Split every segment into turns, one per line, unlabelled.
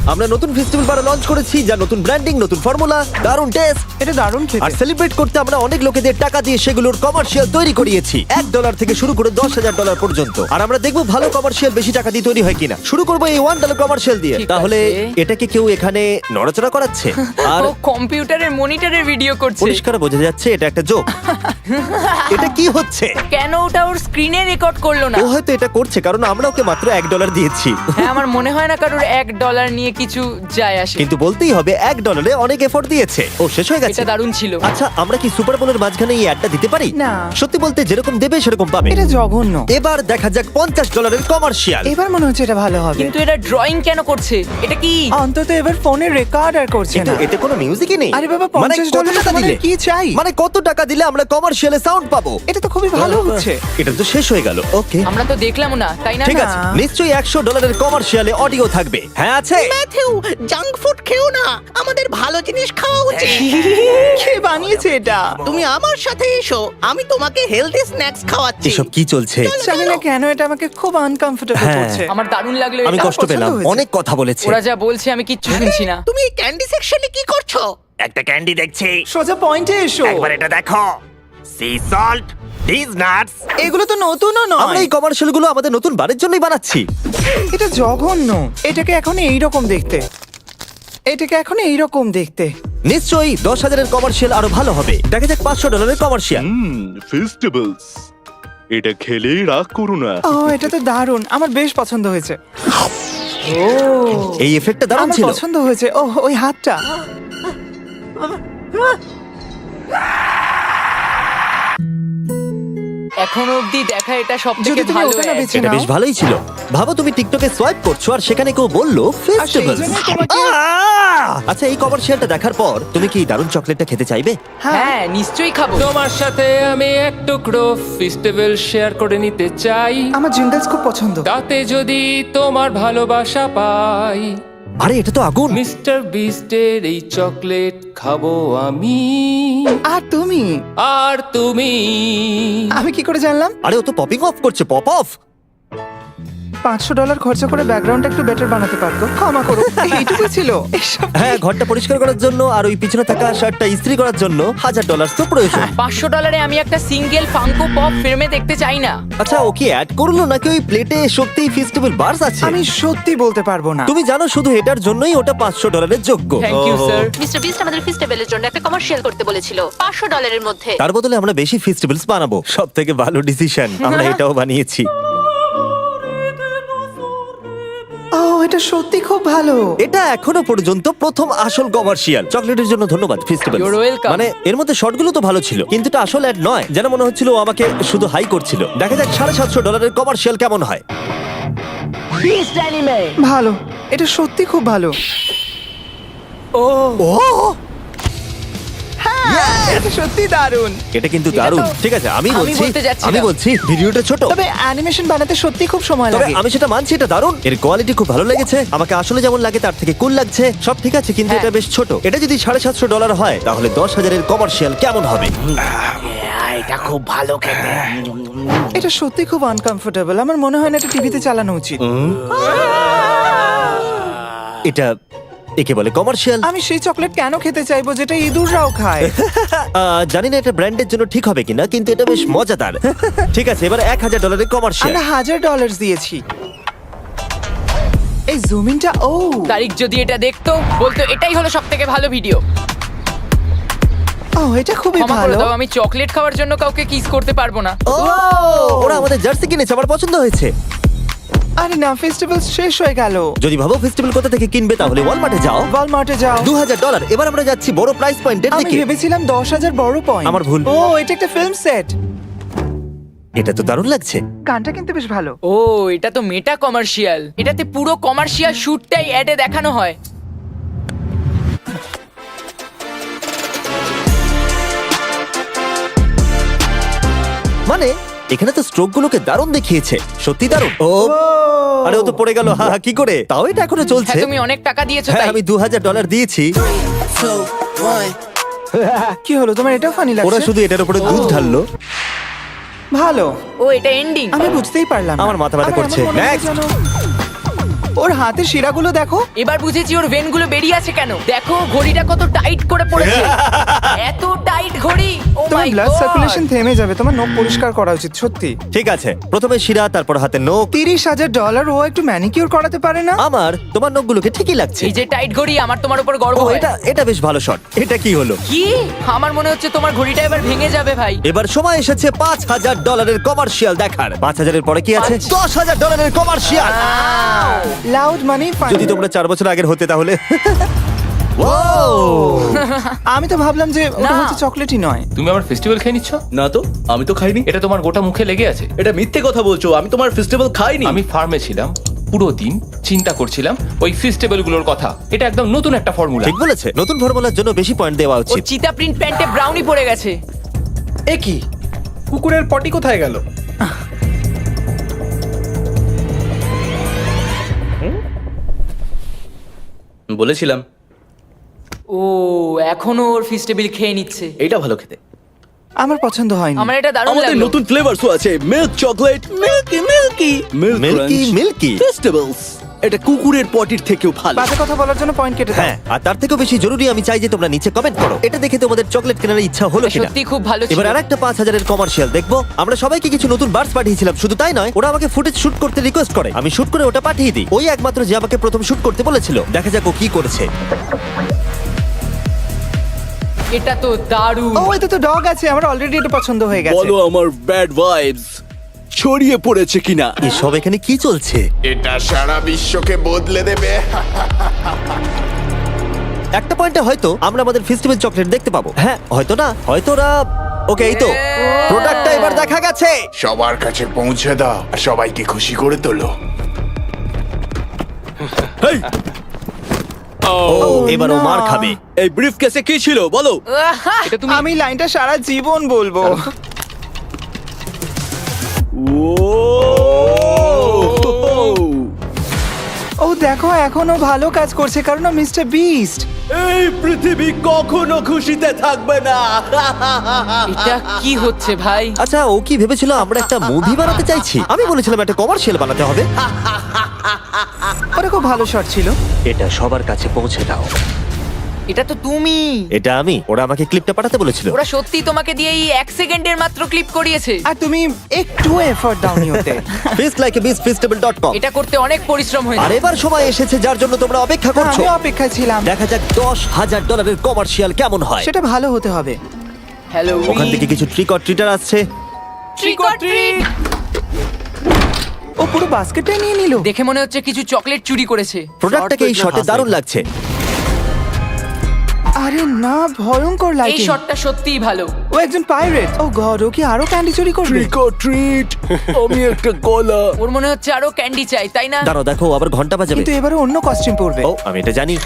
আমরা নতুন ফেস্টিভ্যাল বার লঞ্চ করেছি, যা নতুন ব্র্যান্ডিং, নতুন ফর্মুলা, দারুণ টেস্ট।
এটা দারুণ
আর
খেতে।
সেলিব্রেট করতে আমরা অনেক লোকেদের টাকা দিয়ে সেগুলোর কমার্শিয়াল তৈরি করিয়েছি, $1 থেকে শুরু করে $10,000 পর্যন্ত। আর আমরা দেখবো ভালো কমার্শিয়াল বেশি টাকা দিয়ে তৈরি হয় কিনা। শুরু করবো এই $1 কমার্শিয়াল দিয়ে।
ঠিক
তাহলে
আছে।
এটাকে কেউ এখানে নড়াচড়া করাচ্ছে আর
ও কম্পিউটারের মনিটরের ভিডিও করছে।
পরিষ্কার বোঝা যাচ্ছে এটা একটা জোক। এটা কি হচ্ছে?
কেন ওটা ওর স্ক্রিনে রেকর্ড করলো না?
ও হয়তো এটা করছে কারণ আমরা ওকে মাত্র $1 দিয়েছি।
হ্যাঁ, আমার মনে হয় না কারোর $1 নিয়ে কিছু যায় আসে।
কিন্তু বলতেই হবে $1 অনেক এফোর্ট দিয়েছে। ও শেষ হয়ে গেছে।
এটা দারুণ ছিল।
আচ্ছা, আমরা কি সুপার বোলের মাঝখানে এই অ্যাডটা দিতে পারি?
না।
সত্যি বলতে যেরকম দেবে সেরকম পাবে।
এটা জঘন্য।
এবার দেখা যাক $50 কমার্শিয়াল।
এবার মনে হচ্ছে এটা ভালো হবে।
কিন্তু এটা ড্রয়িং কেন করছে? এটা কি?
অন্তত এবার ফোনে রেকর্ড আর করছে
কিন্তু
না।
এতে কোনো মিউজিকই নেই।
আরে বাবা,
মানে কত
$50
টাকা
তোমাদের
দিলে?
কি চাই?
মানে কত টাকা দিলে আমরা কমার্শিয়ালে সাউন্ড পাবো?
এটা তো খুবই ভালো হচ্ছে।
এটা তো শেষ হয়ে গেল। ওকে,
আমরা তো দেখলাম না, তাই না?
ঠিক
না।
আছে, নিশ্চয়ই $100 কমার্শিয়ালে অডিও থাকবে। হ্যাঁ আছে।
ম্যাথিউ, জাঙ্ক ফুড খেও না, আমাদের ভালো জিনিস খাওয়া উচিত।
কে বানিয়েছে এটা?
তুমি আমার সাথে এসো, আমি তোমাকে হেলদি স্ন্যাক্স খাওয়াচ্ছি।
এসব কি চলছে?
জানি না কেন এটা আমাকে খুব আনকমফোর্টেবল
হ্যাঁ।
করছে।
আমার দারুণ লাগলো
আমি
এটা।
কষ্ট
পছন্দ
পেলাম,
হয়েছে।
অনেক কথা বলেছে।
ওরা যা বলছে আমি কিচ্ছু শুনছি না।
তুমি এই ক্যান্ডি সেকশনে কি করছো?
একটা ক্যান্ডি দেখছি,
সোজা পয়েন্টে এসো।
একবার এটা দেখো। Sea salt, this nuts.
এগুলো তো নতুনও
আমরা
নয়।
এই কমার্শিয়াল গুলো আমাদের নতুন বারের জন্যই বানাচ্ছি।
এটা জঘন্য। এটাকে এখন এইরকম দেখতে। এটাকে এখন এইরকম দেখতে।
নিশ্চয়ই 10,000-এর কমার্শিয়াল আরো ভালো হবে। দেখা যাক $500 কমার্শিয়াল।
ফেস্টিভ্যালস, এটা খেলেই রাগ করো না।
ও, এটা তো দারুণ। আমার বেশ পছন্দ হয়েছে।
এই এফেক্টটা দারুণ
আমার
ছিল।
পছন্দ হয়েছে। ও, ওই হাতটা।
এখনো অবধি দেখা এটা
যদি
সবথেকে
তুমি
ভালো
ওটা না
ad।
বেছে
এটা
নাও।
বেশ ভালোই ছিল। ভাবো তুমি টিকটকে সোয়াইপ করছো আর সেখানে কেউ বললো ফেস্টিভ্যাল।
জন্যই তোমাকে-
আচ্ছা, এই কমার্শিয়ালটা দেখার পর তুমি কি দারুণ চকলেটটা খেতে চাইবে?
হ্যাঁ, নিশ্চয়ই খাবো।
তোমার সাথে আমি এক টুকরো ফেস্টিভ্যাল শেয়ার করে নিতে চাই,
আমার জিঙ্গলস খুব পছন্দ।
তাতে যদি তোমার ভালোবাসা পাই।
আরে এটা তো আগুন।
মিস্টার বিস্টের এই চকলেট খাবো আমি,
আর তুমি?
আর তুমি।
আমি কি করে জানলাম?
আরে ও তো পপিং অফ করছে, পপ অফ।
$500 খরচা করে ব্যাকগ্রাউন্ডটা একটু বেটার বানাতে পারতো। ক্ষমা করো। এইটুকু ছিল। এসব
হ্যাঁ, ঘরটা পরিষ্কার করার জন্য আর ওই পিছনে থাকা শার্টটা ইস্ত্রি করার জন্য $1,000 তো প্রয়োজন।
$500 আমি একটা সিঙ্গেল ফাঙ্কো পপ ফ্রেমে দেখতে চাই না।
আচ্ছা, ও কি অ্যাড করলো নাকি ওই প্লেটে সত্যিই ফেস্টিভ্যাল বার্স আছে?
আমি সত্যি বলতে পারবো না।
তুমি জানো শুধু এটার জন্যই ওটা $500 যোগ্য।
Thank you sir.
Mister Beast আমাদের ফেস্টিভ্যালের জন্য একটা কমার্শিয়াল করতে বলেছিল $500 মধ্যে।
তার বদলে আমরা বেশি ফেস্টিভ্যালস বানাবো। সব থেকে ভালো ডিসিশন, আমরা এটাও বানিয়েছি।
ও, এটা সত্যি খুব ভালো।
এটা এখনো পর্যন্ত প্রথম আসল কমার্শিয়াল। চকলেটের জন্য ধন্যবাদ ফেস্টিভ্যাল।
You're welcome.
মানে এর মধ্যে শর্টগুলো তো ভালো ছিল, কিন্তু এটা আসল অ্যাড নয়। যেন মনে হচ্ছিল ও আমাকে শুধু হাই করছিল। দেখা যাক $750 কমার্শিয়াল কেমন হয়।
ভালো। এটা সত্যি খুব ভালো।
ও,
এটা সত্যি দারুণ।
এটা কিন্তু দারুণ। ঠিক আছে, আমি
বলতে
বলছি ভিডিওটা ছোট,
তবে অ্যানিমেশন বানাতে সত্যি খুব সময়
তবে
লাগে।
আমি সেটা মানছি, এটা দারুণ। এর কোয়ালিটি খুব ভালো লেগেছে আমাকে। আসলে যেমন লাগে তার থেকে কুল লাগছে। সব ঠিক আছে, কিন্তু
হ্যাঁ।
এটা বেশ ছোট। এটা যদি $750 হয় তাহলে 10,000-এর কমার্শিয়াল কেমন হবে?
এটা খুব ভালো খেতে।
এটা সত্যি খুব আনকমফোর্টেবল। আমার মনে হয় না এটা টিভিতে চালানো উচিত।
এটা একে বলে কমার্শিয়াল।
আমি সেই চকলেট কেন খেতে চাইবো যেটা ইঁদুররাও খায়?
জানি না এটা ব্র্যান্ডের জন্য ঠিক হবে কিনা, কিন্তু এটা বেশ মজাদার। ঠিক আছে, এবার $1,000-এর কমার্শিয়াল।
আমরা $1,000 দিয়েছি। এই জুমিনটা, ও
তারিখ যদি এটা দেখতো বলতো এটাই হলো সবথেকে ভালো ভিডিও।
ও, এটা খুবই
ক্ষমা করে
ভালো।
দাও, আমি চকলেট খাওয়ার জন্য কাউকে কিস করতে পারবো না।
ও, ওরা আমাদের জার্সি কিনেছে, আমার পছন্দ হয়েছে।
আরে না, ফেস্টিভ্যাল শেষ হয়ে গেল।
যদি ভাবো ফেস্টিভ্যাল কোথা থেকে কিনবে তাহলে ওয়ালমার্টে যাও।
ওয়ালমার্টে যাও।
$2,000। এবার আমরা যাচ্ছি বড় প্রাইস পয়েন্টের
আমি
দিকে।
ভেবেছিলাম 10,000 বড় পয়েন্ট।
আমার ভুল।
ও, এটা একটা ফিল্ম সেট।
এটা তো দারুণ লাগছে।
গানটা কিন্তু বেশ ভালো।
ও, এটা তো মেটা কমার্শিয়াল। এটাতে পুরো কমার্শিয়াল শুটটাই অ্যাডে দেখানো হয়।
মানে এখানে তো স্ট্রোক গুলোকে দারুণ দেখিয়েছে, সত্যি দারুণ। ও, আরে ও তো পড়ে গেল। হা হা, কি করে? তাও এটা এখনো চলছে।
হ্যাঁ, তুমি অনেক টাকা দিয়েছো
হ্যাঁ,
তাই।
আমি $2,000 দিয়েছি।
কি হলো, তোমার এটা ফানি
ওরা
লাগছে?
শুধু এটার উপরে দুধ ঢাললো।
ভালো।
ও, এটা এন্ডিং।
আমি বুঝতেই পারলাম না।
আমার মাথা ব্যথা
আমার এমন
করছে।
মনে হচ্ছে
Next!
যেন- ও ওর হাতের শিরাগুলো দেখো।
এবার বুঝেছি ওর ভেনগুলো বেরিয়ে আছে কেন। দেখো ঘড়িটা কত টাইট করে পড়েছে। এত টাইট ঘড়ি, ও
তোমার
মাই
ব্লাড
গড।
সার্কুলেশন থেমে যাবে, তোমার নখ পরিষ্কার করা উচিত সত্যি।
ঠিক আছে, প্রথমে শিরা, তারপর হাতের নখ।
$30,000 ও একটু ম্যানিকিউর করাতে পারে না?
আমার তোমার নখগুলোকে ঠিকই লাগছে।
এই যে টাইট ঘড়ি, আমার তোমার উপর গর্ব
ও,
হয়।
এটা এটা বেশ ভালো শট। এটা কি হলো?
কি? আমার মনে হচ্ছে তোমার ঘড়িটা এবার ভেঙে যাবে ভাই।
এবার সময় এসেছে $5,000 কমার্শিয়াল দেখার। 5,000-এর পরে কি আছে? $10,000 কমার্শিয়াল।
লাউড মানে
যদি তোমরা 4 বছর আগের হতে তাহলে ও
আমি তো ভাবলাম যে ওটা
না।
হচ্ছে চকলেটই নয়।
তুমি আমার ফেস্টিভ্যাল খেয়ে নিচ্ছ?
না তো, আমি তো খাইনি।
এটা তোমার গোটা মুখে লেগে আছে।
এটা মিথ্যে কথা বলছো, আমি তোমার ফেস্টিভ্যাল খাইনি।
আমি ফার্মে ছিলাম পুরো দিন, চিন্তা করছিলাম ওই ফেস্টিভ্যাল গুলোর কথা। এটা একদম নতুন একটা ফর্মুলা।
ঠিক বলেছে, নতুন ফর্মুলার জন্য বেশি পয়েন্ট দেওয়া
ওর
উচিত।
চিতা প্রিন্ট প্যান্টে ব্রাউনি পড়ে গেছে।
এ কি, কুকুরের পটি কোথায় গেল?
বলেছিলাম
ও এখনো ওর ফিস্টেবিল খেয়ে নিচ্ছে।
এইটা ভালো খেতে।
আমার পছন্দ হয়নি।
আমার এটা দারুণ
আমাদের
লাগলো।
নতুন ফ্লেভারসও আছে, milk chocolate, milky milky
milky milky.
Festivals. এটা কুকুরের পটির থেকেও ভালো।
বাজে কথা বলার জন্য পয়েন্ট কেটে দাও।
হ্যাঁ, আর তার থেকেও বেশি জরুরি আমি চাই যে তোমরা নিচে কমেন্ট করো। এটা দেখে তোমাদের চকলেট কেনার ইচ্ছা হলো কিনা।
সত্যি খুব ভালো ছিল।
এবার আরেকটা 5,000-এর কমার্শিয়াল দেখবো। আমরা সবাইকে কিছু নতুন বার্ডস পাঠিয়েছিলাম, শুধু তাই নয়, ওরা আমাকে ফুটেজ শুট করতে রিকোয়েস্ট করে। আমি শুট করে ওটা পাঠিয়ে দিই। ওই একমাত্র যে আমাকে প্রথম শুট করতে বলেছিল। দেখা যাক ও কি করেছে।
এটা তো দারুণ।
ও, এতে তো ডগ আছে, আমার অলরেডি এটা পছন্দ হয়ে গেছে।
বলো আমার ব্যাড ভাইবস ছড়িয়ে পড়েছে কিনা।
এসব এখানে কি চলছে?
এটা সারা বিশ্বকে বদলে দেবে।
একটা পয়েন্টে হয়তো আমরা আমাদের ফেস্টিভ্যাল চকলেট দেখতে পাবো। হ্যাঁ, হয়তো না, হয়তো ওরা ওকে। এই তো প্রোডাক্টটা এবার দেখা গেছে।
সবার কাছে পৌঁছে দাও, আর সবাইকে খুশি করে তোলো।
ও, এবার ও মার খাবে।
এই ব্রিফ কেসে কি ছিল বলো?
এটা তুমি
আমি লাইনটা সারা জীবন বলবো। ও দেখো, এখনো ভালো কাজ করছে কারণ মিস্টার বিস্ট।
এই পৃথিবী কখনো খুশিতে থাকবে না।
এটা কি হচ্ছে ভাই?
আচ্ছা, ও কি ভেবেছিল আমরা একটা মুভি বানাতে চাইছি? আমি বলেছিলাম একটা কমার্শিয়াল বানাতে হবে।
ওটা খুব ভালো শট ছিল।
এটা সবার কাছে পৌঁছে দাও।
এটা তো তুমি।
এটা আমি। ওরা আমাকে ক্লিপটা পাঠাতে বলেছিল।
ওরা সত্যি তোমাকে দিয়ে এই 1 সেকেন্ডের মাত্র ক্লিপ করিয়েছে।
আর তুমি একটু এফর্ট দাওনি ওতে।
feastlikeabeastfestival.com।
এটা করতে অনেক পরিশ্রম
আর
হয়েছে।
এবার সময় এসেছে যার জন্য তোমরা অপেক্ষা করছো।
আমি অপেক্ষায় ছিলাম।
দেখা যাক $10,000-এর কমার্শিয়াল কেমন হয়।
সেটা ভালো হতে হবে।
হ্যালো।
ওখান থেকে কিছু ট্রিক অর ট্রিটার আসছে।
Trick or treat.
ও পুরো বাস্কেটটাই নিয়ে নিল।
দেখে মনে হচ্ছে কিছু চকলেট চুরি করেছে।
প্রোডাক্টটাকে এই শটে দারুণ লাগছে।
আরে না, ভয়ঙ্কর
এই
লাইটিং।
শটটা সত্যিই ভালো।
ও একজন পাইরেট। ও গড, ও কি আরো ক্যান্ডি চুরি করবে?
Trick or treat. আমি একটা গলা।
ওর মনে হচ্ছে আরো ক্যান্ডি চাই, তাই না?
দাঁড়াও, দেখো ও আবার ঘন্টা বাজাবে।
কিন্তু এবারে অন্য কস্টিউম পরবে।
ও, আমি এটা জানি।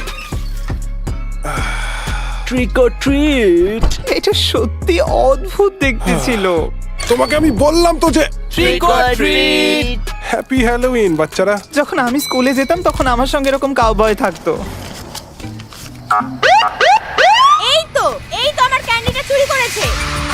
Trick or treat.
এটা সত্যি অদ্ভুত দেখতে ছিল।
তোমাকে আমি বললাম তো যে
trick or treat.
Happy Halloween বাচ্চারা।
যখন আমি স্কুলে যেতাম তখন আমার সঙ্গে এরকম কাউবয় থাকতো।
এই তো আমার ক্যান্ডিটা চুরি করেছে।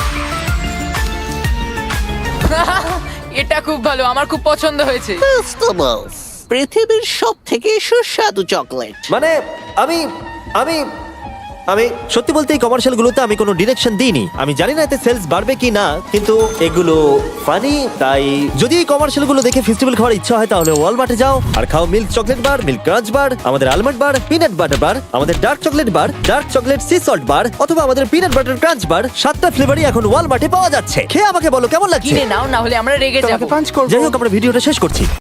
এটা খুব ভালো, আমার খুব পছন্দ হয়েছে।
ফেস্টিভ্যালস পৃথিবীর সব থেকে সুস্বাদু চকলেট।
মানে আমি আমি আমি সত্যি বলতে এই কমার্শিয়াল গুলোতে আমি কোনো ডিরেকশন দিইনি। আমি জানি না এতে সেলস বাড়বে কি না, কিন্তু এগুলো ফানি। তাই যদি এই কমার্শিয়াল গুলো দেখে ফেস্টিভ্যাল খাওয়ার ইচ্ছা হয় তাহলে ওয়ালমার্টে যাও আর খাও milk chocolate bar, milk crunch bar, আমাদের almond bar, peanut butter bar, আমাদের dark chocolate bar, dark chocolate sea salt bar, অথবা আমাদের পিনাট বাটার ক্রাঞ্চ বার। 7টা ফ্লেভারই এখন ওয়ালমার্টে পাওয়া যাচ্ছে। খেয়ে আমাকে বলো কেমন লাগছে।
কিনে নাও, না হলে আমরা রেগে
তোমাকে
যাবো।
পাঞ্চ করবো।
যাই হোক, আমরা ভিডিওটা শেষ করছি।